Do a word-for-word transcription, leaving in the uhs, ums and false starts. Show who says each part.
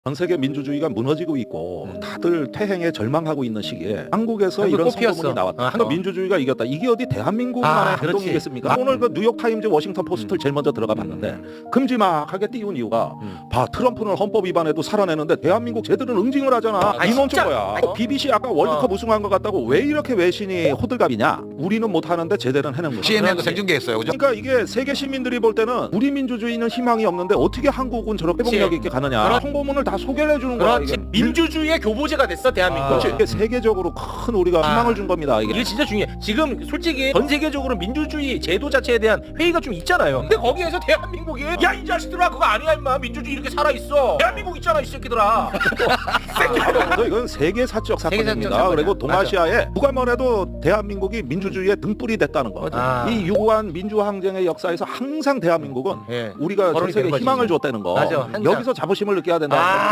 Speaker 1: 전 세계 민주주의가 무너지고 있고
Speaker 2: 음.
Speaker 1: 다들 퇴행에 절망하고 있는 시기에 한국에서
Speaker 2: 한국
Speaker 1: 이런
Speaker 2: 꽃피었어.
Speaker 1: 선거문이 나왔다.
Speaker 2: 어, 한국-
Speaker 1: 민주주의가 이겼다. 이게 어디 대한민국만의
Speaker 2: 아, 그렇지.
Speaker 1: 행동이겠습니까? 오늘 그 뉴욕 타임즈, 워싱턴 포스트를 제일 먼저 들어가 봤는데 큼지막하게 띄운 이유가
Speaker 2: 음.
Speaker 1: 봐, 트럼프는 헌법 위반에도 살아내는데 대한민국 쟤들은 응징을 하잖아.
Speaker 2: 아니,
Speaker 1: 이놈
Speaker 2: 진짜.
Speaker 1: 좀 거야.
Speaker 2: 아니,
Speaker 1: 비비씨 아까 월드컵
Speaker 2: 어.
Speaker 1: 우승한 것 같다고 왜 이렇게 외신이 호들갑이냐? 우리는 못하는데 쟤들은 해낸 거야.
Speaker 3: 씨엔엔도
Speaker 2: 그렇지.
Speaker 3: 생중계했어요. 그죠?
Speaker 1: 그러니까 이게 세계 시민들이 볼 때는 우리 민주주의는 희망이 없는데 어떻게 한국은 저렇게
Speaker 2: 그치.
Speaker 1: 회복력 있게 가느냐.
Speaker 2: 그렇지.
Speaker 1: 홍보문을 다 소개를 해주는 거야.
Speaker 2: 그렇지.
Speaker 1: 이게.
Speaker 2: 민주주의의 교보제가 됐어 대한민국.
Speaker 1: 그렇지. 이게 세계적으로 큰 우리가
Speaker 2: 아.
Speaker 1: 희망을 준 겁니다. 이게.
Speaker 2: 이게 진짜 중요해. 지금 솔직히 전 세계적으로 민주주의 제도 자체에 대한 회의가 좀 있잖아요. 근데 거기에서 대한민국이 야 이 자식들아 그거 아니야 임마 민주주의 이렇게 살아 있어. 대한민국 있잖아 이 새끼들아.
Speaker 1: 그래서 이건 세계사적 사건입니다.
Speaker 2: 세계사적 사건이야.
Speaker 1: 그리고 동아시아에 누가 뭐래도 대한민국이 민주주의의 등불이 됐다는 거.
Speaker 2: 아.
Speaker 1: 이 유구한 민주항쟁의 역사에서 항상 대한민국은
Speaker 2: 예.
Speaker 1: 우리가 전
Speaker 2: 거론이
Speaker 1: 세계
Speaker 2: 된 거지.
Speaker 1: 희망을 줬다는 거.
Speaker 2: 맞아, 항상.
Speaker 1: 여기서 자부심을 느껴야 된다.
Speaker 2: 아.